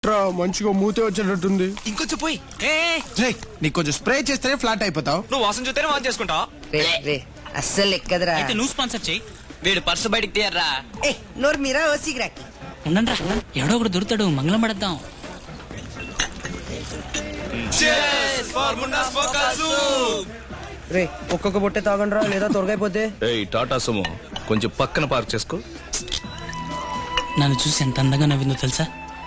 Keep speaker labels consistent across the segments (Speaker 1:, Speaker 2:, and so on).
Speaker 1: మంచిగా మూతే వచ్చేటట్టుంది.
Speaker 2: ఇంకొంచెం పోయి.
Speaker 1: నీకు కొంచెం స్ప్రే చేస్తేనే ఫ్లాట్ అయిపోతావు.
Speaker 2: నువ్వు వాసన చూస్తేనే వాన్ చేసుకుంటావు.
Speaker 3: అస్సలు ఎక్కదరా.
Speaker 4: అయితే నువ్వు స్పాన్సర్ చేయి.
Speaker 2: వీడు పర్సు బయటికి తీయర్రా.
Speaker 3: నోరు మీరా ఓసిగ్రాకి.
Speaker 4: ఉండండి రా, ఎవడో ఒకడు దొరుకుతాడు, మంగళం పడద్దాం.
Speaker 3: రే ఒక్కొక్క బొట్టే తాగండి రా, లేదా తొరగైపోతే.
Speaker 5: ఏయ్ టాటా సుమో కొంచెం పక్కన పార్క్ చేసుకో.
Speaker 4: నన్ను చూసి ఎంత అందంగా నవ్విందో తెలుసా?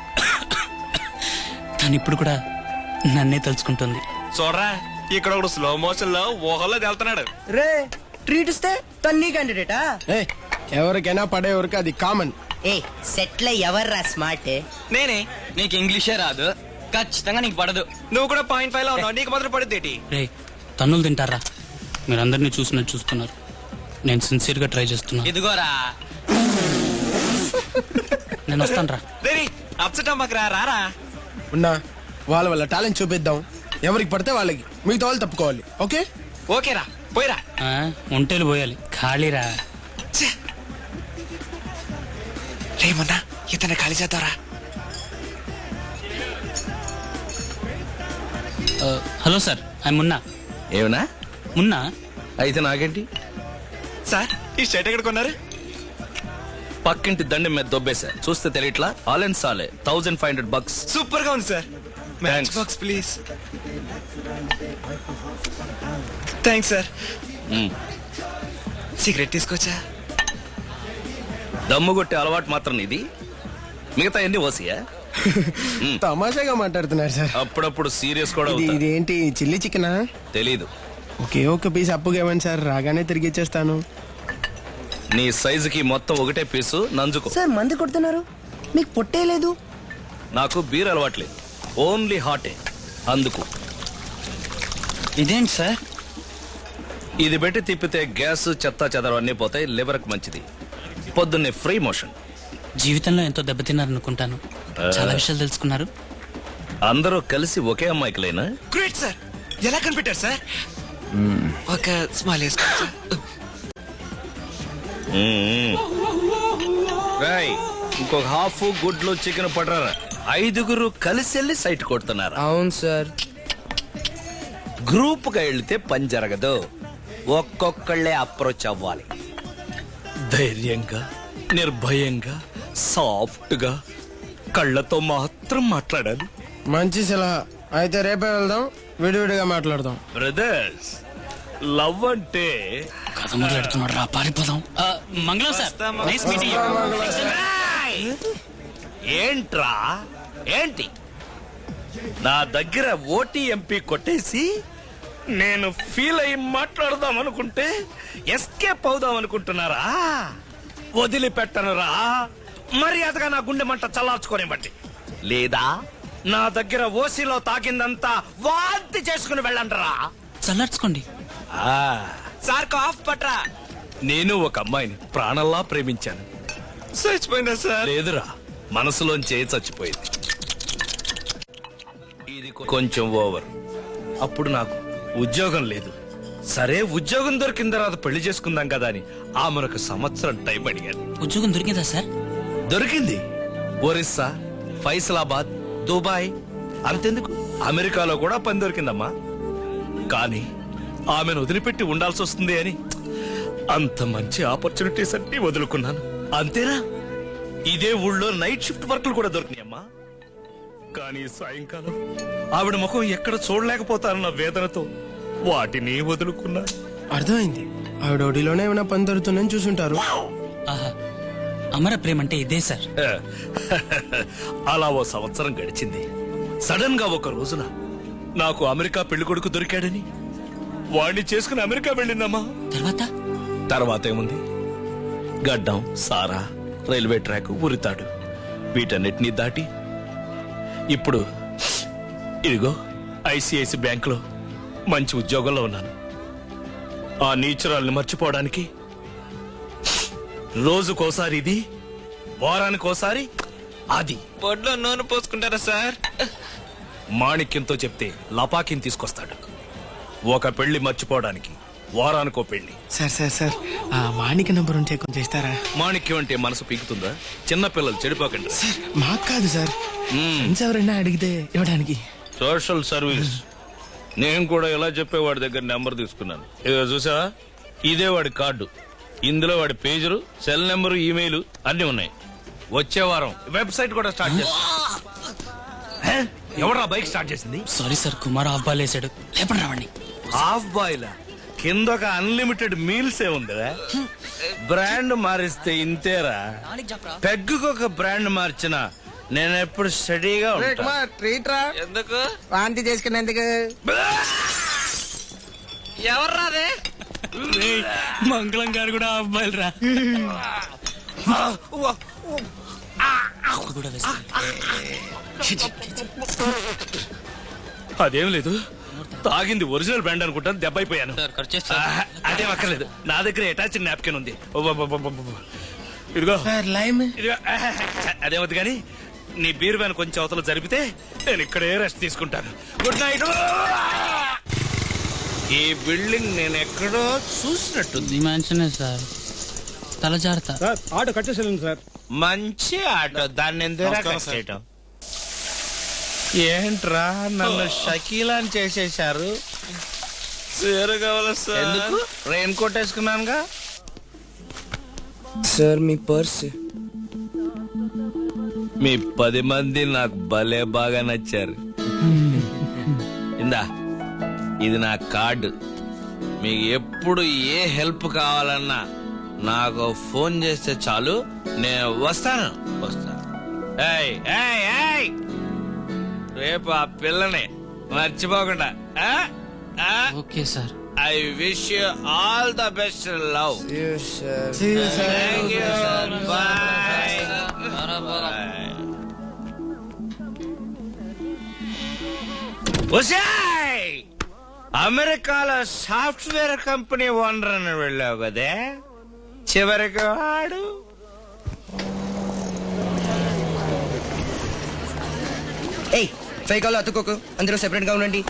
Speaker 4: కానీ ఇప్పుడు కూడా నన్నే తలుచుకుంటుంది.
Speaker 2: చూడరా, ఇక్కడ ఒకడు స్లో మోషన్ లో ఊహల్లో వెళ్తున్నాడు.
Speaker 3: రే ట్రీట్ ఇస్తే తన్ని క్యాండిడేటా?
Speaker 1: ఎవరికైనా పడే వరకు అది కామన్.
Speaker 3: ఏ సెట్ల ఎవర్రా స్మార్ట్?
Speaker 2: నేనే.
Speaker 6: నీకు ఇంగ్లీషే రాదు, ఖచ్చితంగా నీకు పడదు.
Speaker 2: నువ్వు కూడా 0.5 లో ఉన్నావు, నీకు మాత్రం పడుద్దేటి?
Speaker 4: రే తన్నులు తింటారా? మీరు అందరినీ చూసినట్టు చూస్తున్నారు. నేను సిన్సియర్ గా ట్రై చేస్తున్నా.
Speaker 6: ఇదిగోరా,
Speaker 4: నేను వస్తాను రా.
Speaker 2: రేయ్ అప్సెట్ అమ్మకరా, రారా.
Speaker 1: ఉన్నా వాళ్ళ టాలెంట్ చూపిద్దాం. ఎవరికి పడితే వాళ్ళకి, మిగతా వాళ్ళు తప్పుకోవాలి. ఓకే
Speaker 2: ఓకేరా, పోయిరా.
Speaker 4: ఒంటేలు పోయాలి, ఖాళీరా.
Speaker 2: రేమన్నా ఇతను ఖాళీ చేద్దారా.
Speaker 4: Hello sir, I Munna.
Speaker 5: ఏమన్నా
Speaker 4: మున్నా
Speaker 5: అయితే నాకేంటి?
Speaker 2: సార్ ఈ షర్ట్ ఎక్కడ కొన్నారు?
Speaker 5: పక్కింటి దండం మీద దొబ్బేశా, చూస్తే తెలియట్లా. ఆల్ అండ్ సాలే $1500.
Speaker 2: సూపర్ గా ఉంది sir. Match box please. Thanks sir. Cigarette తీసుకోవచ్చా?
Speaker 5: దమ్ము కొట్టే అలవాటు మాత్రం ఇది, మిగతా ఎన్ని ఓసియా?
Speaker 1: తమాషాగా మాట్లాడుతున్నారు సార్.
Speaker 5: అప్పుడప్పుడు సీరియస్ కూడా అవుతా.
Speaker 1: ఇదేంటి చిల్లీ చికెనా?
Speaker 5: తెలీదు.
Speaker 1: ఒక్క పీస్ అప్పుగా ఇవ్వండి సార్, రాగానే తిరిగి ఇచ్చేస్తాను.
Speaker 5: నీ సైజుకి మొత్తం ఒకటే పీసు నంజుకో.
Speaker 3: సార్ మంది కొడుతున్నారు, మీకు పొట్టే లేదు.
Speaker 5: నాకు బీర్ అలవాట్లేదు, ఓన్లీ హాటే, అందుకు.
Speaker 6: ఇదేంటి సార్?
Speaker 5: ఇది పెట్టి తిప్పితే గ్యాస్ చెత్త చెదరం అన్నీ పోతాయి, లివర్కి మంచిది. పొద్దున్నే ఫ్రీ మోషన్.
Speaker 4: జీవితంలో ఎంతో దెబ్బతిన్నారనుకుంటాను. చాలా విషయాలు తెలుసుకున్నారు.
Speaker 5: అందరూ కలిసి ఒకే అమ్మాయికిలేనా?
Speaker 2: Great sir. ఎలా కనిపెట్టారు సార్? ఒక స్మైల్ వేసుకోవచ్చా?
Speaker 5: రాయ్, ఇంకొక హాఫ్ గుడ్లు చికెన్ పడరా. 5 కలిసి వెళ్ళి సైట్ కొడుతున్నారు.
Speaker 3: అవును సార్.
Speaker 5: గ్రూప్ గా వెళ్తే పని జరగదు, ఒక్కొక్కళ్ళే అప్రోచ్ అవ్వాలి. ధైర్యంగా, నిర్భయంగా, సాఫ్ట్ గా, కళ్ళతో మాత్రం మాట్లాడాలి.
Speaker 1: మంచి సలహా. అయితే రేపే వెళ్దాం, విడివిడిగా మాట్లాడదాం.
Speaker 5: బ్రదర్స్, లవ్ అంటే
Speaker 4: కథ మొదలెడుతున్నాడు రా, పారిపోదాం. మంగళం సార్, నైస్ మీటింగ్ యు.
Speaker 5: ఏంట్రా ఏంటి? నా దగ్గర ఓటీఎంపీ కొట్టేసి నేను ఫీల్ అయ్యి మాట్లాడదాం అనుకుంటే ఎస్కేప్ అవుదాం అనుకుంటున్నారా? వదిలిపెట్టనురా. మర్యాదగా నా గుండె మంట చల్లార్చుకొని బట్టి, లేదా నా దగ్గర ఓసీలో తాకిందంతా వాంతి చేసుకుని వెళ్ళండిరా.
Speaker 4: చల్లార్చుకోండి.
Speaker 2: సార్ కాఫ్ పట్రా.
Speaker 5: నేను ఒక అమ్మాయిని ప్రాణంలా ప్రేమించాను.
Speaker 2: చచ్చిపోయినా సార్?
Speaker 5: లేదురా, మనసులోంచే చచ్చిపోయింది. ఇది కొంచెం ఓవర్. అప్పుడు నాకు ఉద్యోగం లేదు. సరే, ఉద్యోగం దొరికిన తర్వాత పెళ్లి చేసుకుందాం కదా అని ఆమెకు 1 సంవత్సరం టైం అడిగాను.
Speaker 4: ఉద్యోగం దొరికిందా సార్?
Speaker 5: దొరికింది. ఒరిస్సా, ఫైసలాబాద్, దుబాయ్, అంతెందుకు అమెరికాలో కూడా పని దొరికిందమ్మా. కానీ ఆమెను వదిలిపెట్టి ఉండాల్సి వస్తుంది అని అంత మంచి ఆపర్చునిటీస్ అన్ని వదులుకున్నాను. అంతేనా, ఇదే ఊళ్ళో నైట్ షిఫ్ట్ వర్క్లు కూడా దొరికినాయమ్మా. కానీ సాయంకాలం ఆవిడ ముఖం ఎక్కడ చూడలేకపోతానన్న వేదనతో వాటిని వదులుకున్నాను.
Speaker 1: అర్థమైంది, ఆవిడ ఒడిలోనే ఏమైనా పని దొరుకుతుందని చూసుంటారు.
Speaker 4: ఆహా, అమర ప్రేమ అంటే ఇదే సార్.
Speaker 5: అలా 1 సంవత్సరం గడిచింది. సడన్ గా ఒక రోజున నాకు అమెరికా పెళ్లి కొడుకు దొరికాడని వాడిని చేసుకుని అమెరికా వెళ్ళిందమ్మా. తర్వాత ఏముంది, గడ్డం, సారా, రైల్వే ట్రాక్, ఉరితాడు, వీటన్నిటినీ దాటి ఇప్పుడు ఇదిగో ఐసిఐసి బ్యాంకులో మంచి ఉద్యోగంలో ఉన్నాను. ఆ నీచురాల్ని మర్చిపోవడానికి రోజుకోసారి ఇది, వారానికోసారి అది.
Speaker 2: బొడ్లో నూనె పోసుకుంటారా సార్?
Speaker 5: మాణిక్యంతో చెప్తే లపాకిని తీసుకొస్తాడు. ఒక పెళ్లి మర్చిపోవడానికి వారానికో పెళ్లి.
Speaker 1: సార్ ఆ మాణిక నంబర్ ఉంటే కొంచెం ఇస్తారా?
Speaker 5: మాణిక్యం అంటే మనసు పీకుతుందా? చిన్నపిల్లలు చెడిపోకండి.
Speaker 1: మాకు కాదు సార్, ఫ్రెండ్స్ ఎవరైనా అడిగితే ఇవ్వడానికి.
Speaker 5: Social service. నేను కూడా ఇలా చెప్పే వాడి దగ్గర నెంబర్ తీసుకున్నాను. ఇదిగో చూసావా, ఇదే వాడి కార్డు. ఇందులో వాడి పేజరు, సెల్ నెంబరు, ఈమెయిల్ అన్ని ఉన్నాయి. వచ్చే వారం వెబ్సైట్ కూడా స్టార్ట్ చేస్తా. ఎవరా బైక్ స్టార్ట్ చేసింది?
Speaker 4: Sorry sir, Kumar off ball వేసాడు. లేపండి రావండి.
Speaker 5: హాఫ్ బాయిల్ కింద ఒక అన్లిమిటెడ్ మీల్స్ ఏ ఉందా? బ్రాండ్ మారిస్తే ఇంతేరా. పెగ్గుకు ఒక బ్రాండ్ మార్చిన నేను ఎప్పుడు స్టడీగా ఉంటా.
Speaker 3: ట్రీట్ రా.
Speaker 2: ఎందుకు?
Speaker 3: వాంతి చేసుకునేందుకు.
Speaker 2: ఎవర్రాదే?
Speaker 4: మంగళం గారు కూడా ఆఫ్ బాల్ రా. కూడా
Speaker 5: అదేం లేదు, తాగింది ఒరిజినల్ బ్రాండ్ అనుకుంటాను. దెబ్బ అయిపోయాను. అదేం అక్కర్లేదు, నా దగ్గర అటాచ్ నాప్కిన్ ఉంది. ఇదిగో
Speaker 1: లైమ్.
Speaker 5: ఇదిగో. అదేమవుతుంది కానీ నీ బీర్ వ్యాన్ కొంచెం అవతల జరిపితే నేను ఇక్కడే రెస్ట్ తీసుకుంటాను. Good night. ఈ బిల్డింగ్ నేను ఎక్కడో చూసినట్టుంది.
Speaker 4: మ్యాన్షనే సార్, తల జాగ్రత్త.
Speaker 1: ఆటో కట్ చేసేయండి సార్.
Speaker 5: మంచి ఆటో, దాన్ని ఎందుకు కట్ చేయటం? ఏంట్రా నన్ను షకీలాని చేసేశారు? ఎందుకు? రెయిన్ కోట్ వేసుకున్నానుగా.
Speaker 3: సార్ మీ పర్స్.
Speaker 5: మీ 10 మంది నాకు భలే బాగా నచ్చారు. ఇందా, ఇది నా కార్డు. మీకు ఎప్పుడు ఏ హెల్ప్ కావాలన్నా నాకు ఫోన్ చేస్తే చాలు, నేను వస్తాను. ఏయ్ ఏయ్ ఏయ్, రేపు ఆ పిల్లని మర్చిపోకుండా.
Speaker 4: Okay sir.
Speaker 5: I wish you all the best love. Thank you. Bye. అమెరికాలో సాఫ్ట్వేర్ కంపెనీ ఓనర్ అని వెళ్ళావు కదే, చివరికి వాడు.
Speaker 3: ఏయ్ ఫేక్ కాల్ అతుక్కోకు, అందరూ సెపరేట్ గా ఉండండి.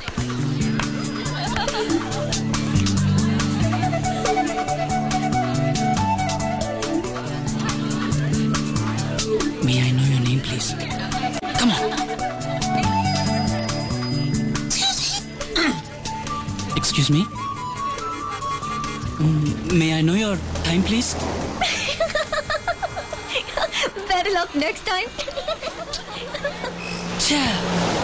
Speaker 4: May I know your name, please? Come on. Excuse me. May I know your time, please?
Speaker 7: Better luck next time.
Speaker 4: Cha.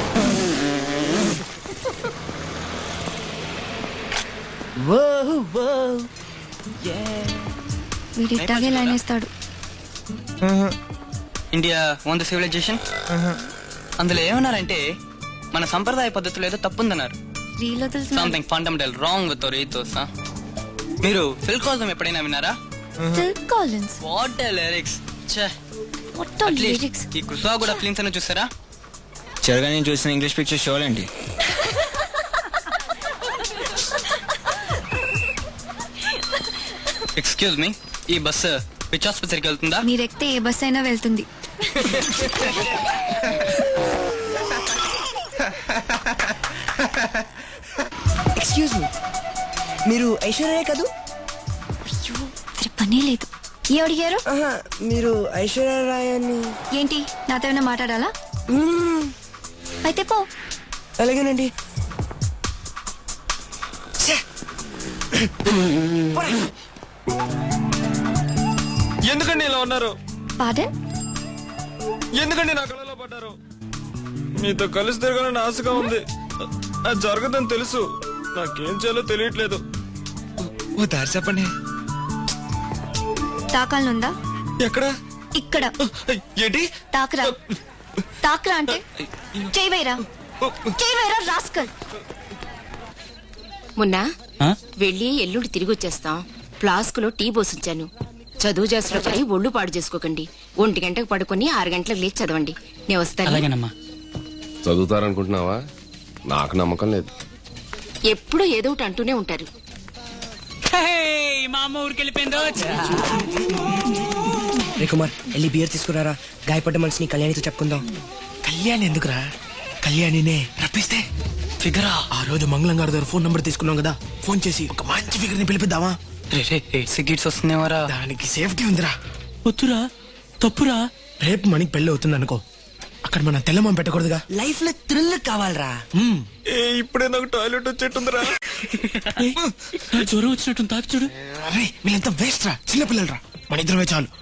Speaker 7: వీడి ఇట్టాగే లైన్ వేస్తాడు.
Speaker 6: India own the civilization. అందులో ఏమన్నారంటే మన సంప్రదాయ పద్ధతిలో ఏదో తప్పుందన్నారు.
Speaker 7: రీల్ వదులుతున్నా.
Speaker 6: Something fundamental wrong with our ethos. మీరు ఫిల్ కాల్స్ ఎప్పుడైనా విన్నారా?
Speaker 7: Phil Collins.
Speaker 6: What lyrics.
Speaker 7: What are lyrics?
Speaker 6: ఈ కుసా కూడా ఫిల్మ్స్ అని చూసారా? చిరగా నేను చూసిన ఇంగ్లీష్ పిక్చర్ షోలు అండి. ఎక్స్క్యూజ్ మీ, ఈ బస్సు విచ్ ఆసుపత్రికి వెళ్తుందా?
Speaker 7: మీరు ఎక్కితే ఏ బస్ అయినా వెళ్తుంది.
Speaker 3: ఎక్స్క్యూజ్ మీ, మీరు ఐశ్వర్య కదూ?
Speaker 7: అయ్యో సరే పనే లేదు. ఏ అడిగారు?
Speaker 3: మీరు ఐశ్వర్య రాయ్ అని.
Speaker 7: ఏంటి నాతో ఏమైనా మాట్లాడాలా? అయితే పో.
Speaker 3: అలాగేనండి.
Speaker 2: ఎందుకండి ఇలా ఉన్నారు?
Speaker 7: పాడన్?
Speaker 2: ఎందుకండి నా కళలో పడ్డారు? మీతో కలిసి తిరగాలని ఆశగా ఉంది. అది జరగదని తెలుసు. నాకేం చేయాలో తెలియట్లేదు. ఓ దారి చెప్పండి.
Speaker 7: తాకాలనుందా?
Speaker 2: ఎక్కడ?
Speaker 7: ఇక్కడ.
Speaker 2: ఏంటి?
Speaker 7: తాకరా. తాకరా అంటే చేయవేరా, చేయవేరా రాస్కల్.
Speaker 8: మొన్న
Speaker 4: Huh?
Speaker 8: వెళ్ళి ఎల్లుండి తిరిగి వచ్చేస్తాం. ఫ్లాస్క్ లో టీ పోసించాను. చదువు చేసిన పని ఒళ్ళు పాడు చేసుకోకండి. 1 గంటకు పడుకొని 6 గంటలకు లేచి చదవండి. నేను వస్తాను.
Speaker 4: అలాగేనమ్మా.
Speaker 9: చదువుతారనుకుంటున్నావా? నాకు నమ్మకం లేదు.
Speaker 8: ఎప్పుడు ఏదో ఒకటి అంటూనే ఉంటారు.
Speaker 4: మా అమ్మ ఊరికి వెళ్ళిపోయిందో.
Speaker 3: రే కుమార్, వెళ్ళి బియర్ తీసుకురారా. గాయపడ్డ మనిషిని కళ్యాణితో చెప్పుకుందాం.
Speaker 1: కళ్యాణి ఎందుకురా? కళ్యాణినే రప్పిస్తే ఫిగరా. ఆ రోజు మంగళం గారి దగ్గర ఫోన్ నంబర్ తీసుకున్నాం కదా, ఫోన్ చేసి ఒక మంచి ఫిగర్ ని పిలిపిద్దామా?
Speaker 6: సిగరెట్స్ వస్తున్నావారా?
Speaker 1: దానికి సేఫ్టీ ఉందిరా.
Speaker 4: వద్దురా, తప్పురా.
Speaker 1: రేపు మనకి పెళ్లి అవుతుంది అనుకో, అక్కడ మనం తెల్లమం పెట్టకూడదుగా.
Speaker 3: లైఫ్ లో థ్రిల్ కావాలరా.
Speaker 2: ఏ ఇప్పుడే నాకు టాయిలెట్ వచ్చేట్టుందిరా.
Speaker 4: జ్వరం వచ్చినట్టు తాపి చూడు.
Speaker 1: అరే వీళ్ళంతా వేస్ట్ రా, చిన్నపిల్లలు రా, మన ఇద్దరమే చాలు.